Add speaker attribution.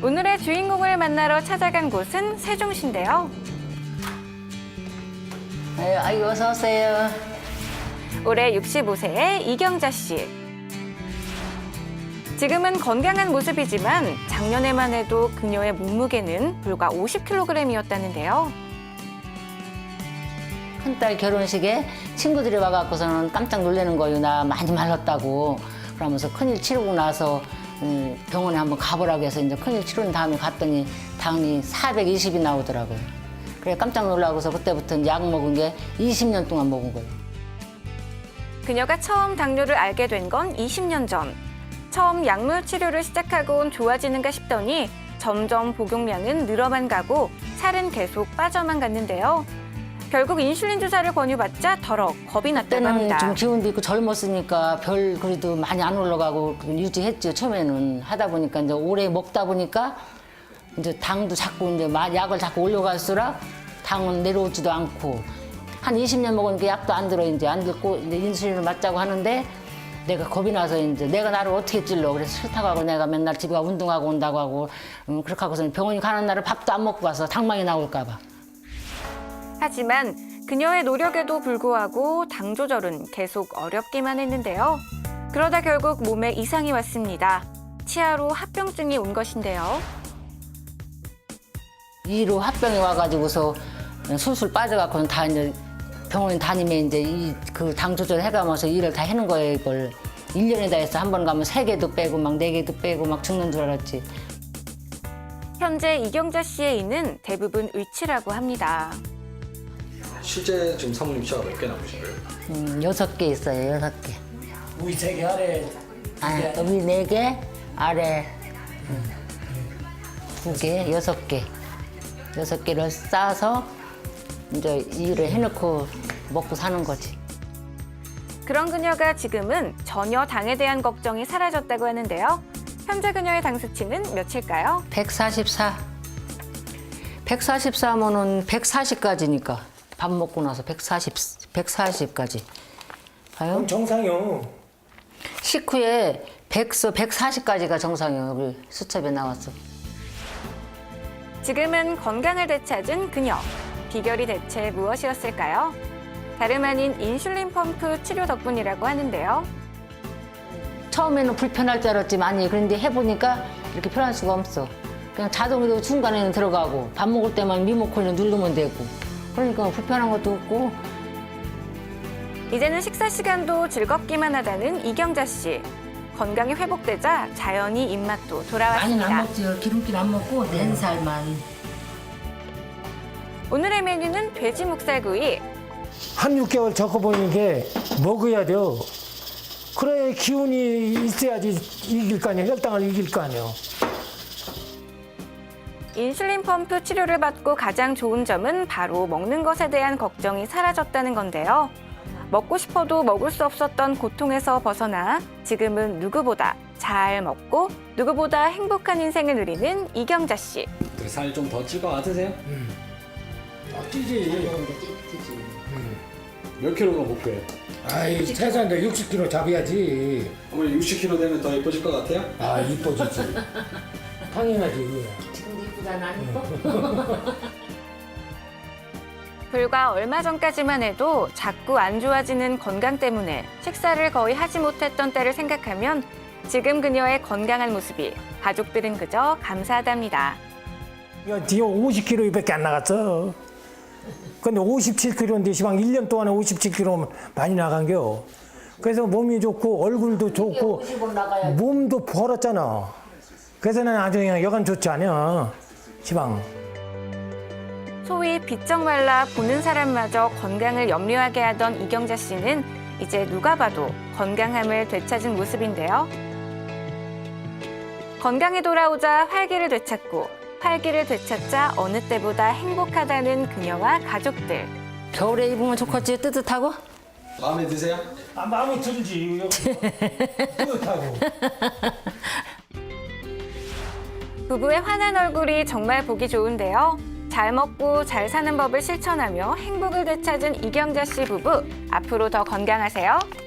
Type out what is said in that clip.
Speaker 1: 오늘의 주인공을 만나러 찾아간 곳은 세종시인데요.
Speaker 2: 아이고, 어서 오세요.
Speaker 1: 올해 65세의 이경자 씨. 지금은 건강한 모습이지만 작년에만 해도 그녀의 몸무게는 불과 50kg이었다는데요.
Speaker 2: 큰딸 결혼식에 친구들이 와갖고서는 깜짝 놀라는 거예요. 나 많이 말랐다고. 그러면서 큰일 치르고 나서 병원에 한번 가보라고 해서 이제 큰일 치른 다음에 갔더니 당이 420이 나오더라고요. 그래 깜짝 놀라고서 그때부터 약 먹은 게 20년 동안 먹은 거예요.
Speaker 1: 그녀가 처음 당뇨를 알게 된 건 20년 전. 처음 약물 치료를 시작하곤 좋아지는가 싶더니 점점 복용량은 늘어만 가고 살은 계속 빠져만 갔는데요. 결국 인슐린 주사를 권유받자 더러 겁이 났다고
Speaker 2: 그때는
Speaker 1: 합니다.
Speaker 2: 좀 기운도 있고 젊었으니까 별 그래도 많이 안 올라가고 유지했죠. 처음에는 하다 보니까 이제 오래 먹다 보니까 이제 당도 자꾸 이제 약을 자꾸 올려갈수록 당은 내려오지도 않고 한 20년 먹으니까 약도 안 들어 이제 안 듣고 이제 인슐린을 맞자고 하는데 내가 겁이 나서 이제 내가 나를 어떻게 찔러 그래서 싫다고 하고 내가 맨날 집에 가 운동하고 온다고 하고 그렇게 하고서 병원에 가는 날은 밥도 안 먹고 가서 당망이 나올까 봐.
Speaker 1: 하지만 그녀의 노력에도 불구하고 당 조절은 계속 어렵기만 했는데요. 그러다 결국 몸에 이상이 왔습니다. 치아로 합병증이 온 것인데요.
Speaker 2: 이로 합병이 와가지고서 술술 빠져갖고는 다 이제 병원 다니면 이제 그 당 조절 해가면서 일을 다 해는 거예요, 이걸. 1년에 다 해서 한 번 가면 3개도 빼고 막 4개도 빼고 막 죽는 줄 알았지.
Speaker 1: 현재 이경자 씨의 이는 대부분 의치라고 합니다.
Speaker 3: 실제 지금 사모님 치아가 몇 개 남으신 거예요?
Speaker 2: 6개 있어요, 6개.
Speaker 4: 위 3개 아래
Speaker 2: 위 4개, 아래 2개, 6개. 6개를 싸서 이제 일을 해놓고 먹고 사는 거지.
Speaker 1: 그런 그녀가 지금은 전혀 당에 대한 걱정이 사라졌다고 하는데요. 현재 그녀의 당 수치는 몇일까요?
Speaker 2: 144. 144면은 140까지니까. 밥 먹고 나서 140까지. 봐요?
Speaker 4: 정상이요.
Speaker 2: 식후에 140까지가 정상이에요. 우리 수첩에 나왔어.
Speaker 1: 지금은 건강을 되찾은 그녀. 비결이 대체 무엇이었을까요? 다름 아닌 인슐린 펌프 치료 덕분이라고 하는데요.
Speaker 2: 처음에는 불편할 줄 알았지 많이. 그런데 해보니까 이렇게 편할 수가 없어. 그냥 자동으로 중간에는 들어가고 밥 먹을 때만 리모컨을 누르면 되고. 그러니까 불편한 것도 없고.
Speaker 1: 이제는 식사 시간도 즐겁기만 하다는 이경자 씨. 건강이 회복되자 자연히 입맛도
Speaker 2: 많이는
Speaker 1: 돌아왔습니다.
Speaker 2: 안 먹지요. 기름기는 안 먹고 맨살만.
Speaker 1: 오늘의 메뉴는 돼지 목살구이.
Speaker 4: 한 6개월 적어보는 게 먹어야 돼요. 그래 기운이 있어야지 이길 거 아니에요. 혈당을 이길 거 아니에요.
Speaker 1: 인슐린 펌프 치료를 받고 가장 좋은 점은 바로 먹는 것에 대한 걱정이 사라졌다는 건데요. 먹고 싶어도 먹을 수 없었던 고통에서 벗어나 지금은 누구보다 잘 먹고 누구보다 행복한 인생을 누리는 이경자 씨.
Speaker 3: 살 좀 더 찔 것 같으세요?
Speaker 4: 찌지.
Speaker 3: 몇 킬로가 목표예요?
Speaker 4: 아이 최소한 60kg 잡아야지.
Speaker 3: 어머니 60kg 되면 더 예뻐질 것 같아요?
Speaker 4: 아 이뻐지지. 당연하지 이거야.
Speaker 2: 지금도 이쁘잖아, 안 이뻐?
Speaker 1: 불과 얼마 전까지만 해도 자꾸 안 좋아지는 건강 때문에 식사를 거의 하지 못했던 때를 생각하면 지금 그녀의 건강한 모습이 가족들은 그저 감사하답니다.
Speaker 4: 야, 뒤에 50kg밖에 안 나갔어. 근데 57kg인데 시방 1년 동안에 57kg 많이 나간겨. 그래서 몸이 좋고 얼굴도 좋고 몸도 벌었잖아. 그래서 난 아주 그냥 여간 좋지 않아. 시방.
Speaker 1: 소위 비쩍 말라 보는 사람마저 건강을 염려하게 하던 이경자 씨는 이제 누가 봐도 건강함을 되찾은 모습인데요. 건강에 돌아오자 활기를 되찾고 활기를 되찾자 어느 때보다 행복하다는 그녀와 가족들.
Speaker 2: 겨울에 입으면 좋겠지, 뜨뜻하고?
Speaker 3: 마음에 드세요?
Speaker 4: 아 마음에 들지. 뿌듯하고.
Speaker 1: 부부의 환한 얼굴이 정말 보기 좋은데요. 잘 먹고 잘 사는 법을 실천하며 행복을 되찾은 이경자 씨 부부. 앞으로 더 건강하세요.